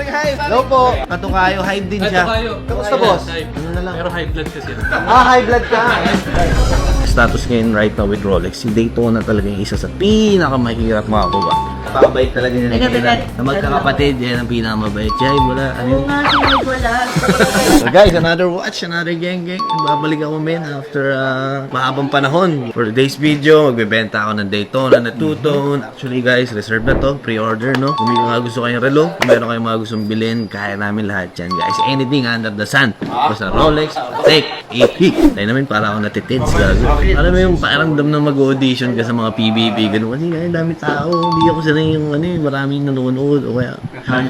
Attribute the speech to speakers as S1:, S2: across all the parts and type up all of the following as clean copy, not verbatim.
S1: Hive! Hello po! Katukayo, Hive din siya. Kamusta boss? Ano na lang?
S2: Pero high blood kasi.
S1: High blood ka! Status ngayon right now with Rolex, si Daytona talaga yung isa sa pinakamahirap makakuha. Napakabait talaga niya na magkakapatid, yan ang pinakamabait. Jai, wala. Ano yun?
S3: Wala.
S1: So guys, another watch, another geng. Babalik ako men after mahabang panahon. For today's video, magbebenta ako ng Daytona na two-tone. Actually guys, reserve na to, pre-order no. Kung may mga gusto kayong relo, kung meron kayong mga gustong bilhin, kaya namin lahat yan guys. Anything under the sun. Basta Rolex, Patek, AP. Tayo namin para ako natitids gago. Alam mo yung pakiramdam na mag-audition ka sa mga PBB, gano'n. Kasi kaya dami tao, hindi ako sanay yung maraming nanonood o kaya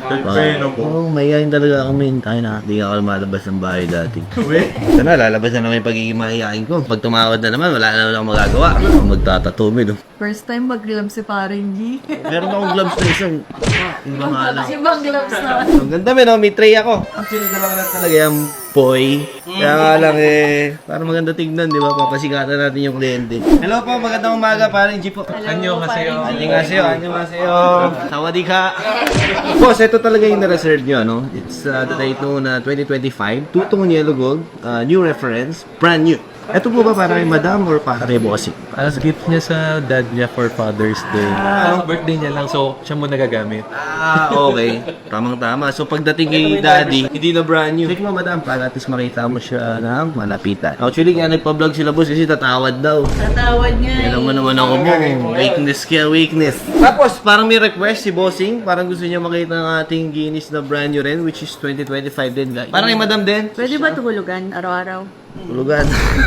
S1: mayayain talaga ako men. Tayo na, hindi ako lumalabas ng bahay dati. Ito na, lalabas na naman yung pagiging mahihain ko. Pag tumawad na naman, wala na naman akong magagawa. Ako magtatatumid.
S3: First time mag-glove si Paring G.
S1: Meron akong gloves na isang. Iba nga lang.
S3: Ibang gloves na.
S1: Ang ganda men, may tray ako. Actually, dalawa lang talaga yung Poy. Kaya nga lang para maganda tignan, di ba? Papasikatan natin yung kliyente. Hello po, magandang umaga, Paring G po.
S2: Anyo kasi yun.
S1: Annyeonghaseyo. Sawadee ka. Boss, ito talaga yung na-reserve nyo, no? It's the Daytona 2025, two-tone yellow gold, new reference, brand new. Ito po ba para kay madam or para kay bossing?
S2: As gift niya sa dad niya for Father's Day. Birthday niya lang, so siya mo nagagamit.
S1: Okay. Tamang-tama. So, pagdating kay daddy, hindi na brand new. Check mo, madam, para at least makita mo siya ng malapitan. Actually, kaya nagpa-vlog sila, boss, kasi tatawad daw.
S3: Tatawad niya.
S1: Alam mo naman ako mo. Weakness kaya weakness. Tapos, parang may request si bossing. Parang gusto niya makita ng ating Guinness na brand new rin, which is 2025 din, guys. Parang kay madam din.
S3: Pwede ba tuhulugan araw-araw?
S1: Tulugan.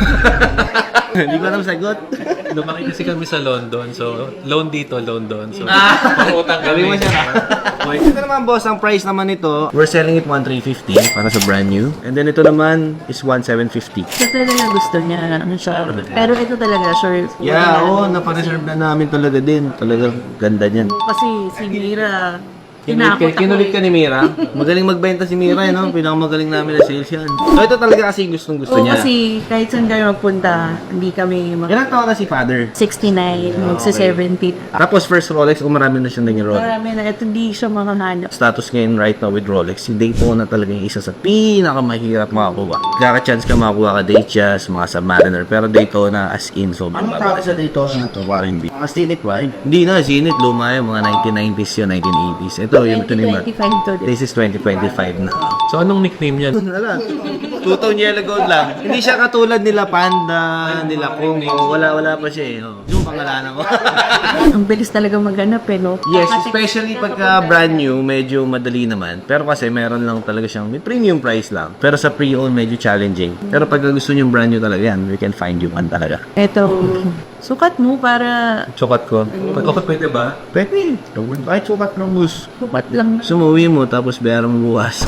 S1: Hindi ko alam sagot.
S2: Lumaki kasi kami sa London, so loan dito, loan doon. So, utang
S1: Gabi mo
S2: kami.
S1: siya na. Ito naman boss, ang price naman nito, we're selling it 1,350 para sa brand new. And then ito naman is 1,750.
S3: Ito talaga gusto niya. Ano siya? Pero ito talaga, sure.
S1: Yeah, oo, napareserve na namin talaga din. Talagang ganda niyan.
S3: Kasi si Mira,
S1: Kinulit ka ni Mira. Magaling magbenta si Mira, no? Pinakamagaling namin na sales yan. So ito talaga kasi gustong gusto
S3: Oo,
S1: niya.
S3: kasi kahit saan kayo magpunta, hindi kami
S1: Ilang taon na si father?
S3: 69, magsa-70.
S1: Tapos first Rolex, marami na siyang naging Rolex.
S3: Marami na, ito hindi siya makahanap.
S1: Status ngayon right now with Rolex, si Daytona talaga yung isa sa pinakamahirap makakuha. Kaka-chance ka makakuha ka Datejust, mga Submariner, pero Daytona as in sobrang baba. Ano sa Daytona na ito, Warren B? Mga Zenith ba? Hindi na, Zenith, luma yun, mga 1990s yun, 1980s. Ito, yung ito naman.
S3: 25 to din.
S1: This is 2025 na.
S2: So, anong nickname niya?
S1: Ito na lang. Two-tone yellow gold lang. Hindi siya katulad nila Panda, nila Kung. Wala pa siya eh. Yung pangalanan ko.
S3: Ang bilis talaga maghanap eh, no?
S1: Yes, especially pagka brand new, medyo madali naman. Pero kasi meron lang talaga siyang, may premium price lang. Pero sa pre-owned, medyo challenging. Pero pag gusto niyo brand new talaga yan, we can find you one talaga.
S3: Ito, sukat mo para
S2: Chokat ko. Okay, pwede ba?
S1: Pwede. Kahit sukat ng bus.
S3: sukat lang.
S1: Sumuwi mo, tapos bayaran mo bukas.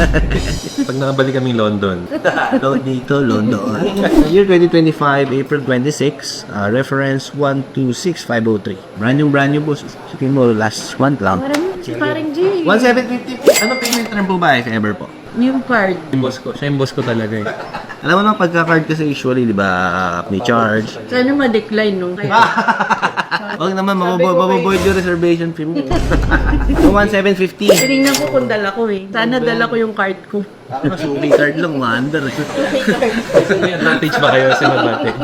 S2: Pag nakabalik kami London.
S1: Dito, London. Year 2025, April 26, reference 126503. Brand new boss. Sabihin mo, last month lang.
S3: Parang si Paring G.
S1: 1,750. Ano payment term po ba if ever po?
S3: Yung card.
S2: Yung boss ko. Siya yung boss ko talaga eh.
S1: Alam mo naman, pagka-card kasi usually, di ba, ni charge.
S3: Sana ma-decline, no? Kaya,
S1: Huwag naman, mababoid yung reservation fee mo. So, 1,750.
S3: tinignan ko kung dala ko eh. Sana dala ko yung card ko.
S1: Suki card lang, maandar.
S2: May advantage ba kayo sa advantage?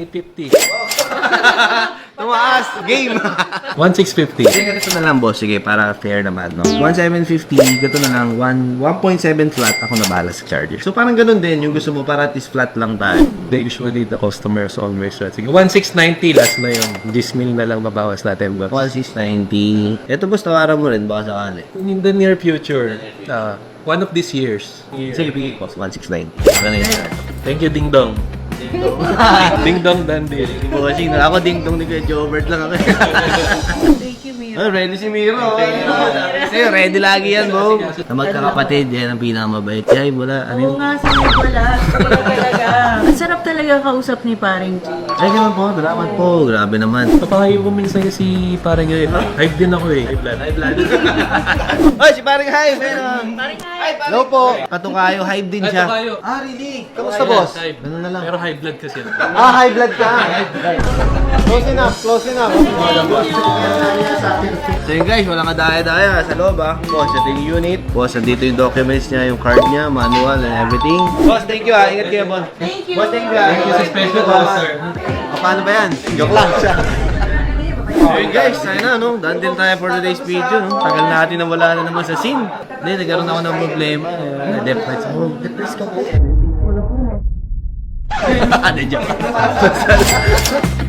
S2: 1,850.
S1: Tumaas! Game!
S2: 1,650.
S1: Sige, ganito na lang, boss. Sige, para fair naman, no? 1,750, ganito na lang. 1.7 flat, ako na bahala sa charger. So, parang ganun din. Yung gusto mo, para at least flat lang tayo.
S2: Usually, the customers always try. Sige, 1,690 last na yung 10,000 na lang mabawas natin.
S1: 1,690. Ito, boss, tawaran mo rin. Baka sakali.
S2: In the near future, one of these years.
S1: Sige, bigay, boss. 1,690. Ganun yun.
S2: Thank you, Ding Dong. Ding Dong Dandy.
S1: Bossing na ako, ding-dong ni Kuya Jobert lang ako.
S3: Thank you, Mira.
S1: Oh, ready si Miro. Kasi ready lagi yan, bro. Na magkakapatid, yan ang pinakamabait. Jai, wala. Ano
S3: Oo
S1: yun?
S3: nga, sabi ko wala. Talaga. Ang sarap talaga kausap ni Paring G.
S1: Ay, ganun po. Salamat po. Grabe naman.
S2: Papakayo ko minsan kasi parang yun. Hype din ako eh. High blood.
S1: Oy, si Paring Hive. Meron.
S3: Paring G.
S1: Hello po. Katukayo, Hive din siya.
S2: Katukayo.
S1: Really? Kamusta, boss?
S2: Hype.
S1: Ganun na lang.
S2: Pero high blood kasi.
S1: High blood ka. Close enough, close enough. So yun guys, walang kadaya-daya sa loob ah. Boss, ito yung unit. Boss, nandito yung documents niya, yung card niya, manual and everything. Boss, thank you ah. Ingat kayo, boss.
S3: Thank you.
S1: Boss, thank you ah.
S2: Thank you sa special boss, sir.
S1: Paano ba yan? Joke lang siya. So yun guys, tayo na no. Done din tayo for today's video no. Tagal natin na wala na naman sa scene. Hindi, nagkaroon ako ng problema. Na-dep lights ako. Let's go. Ano dyan?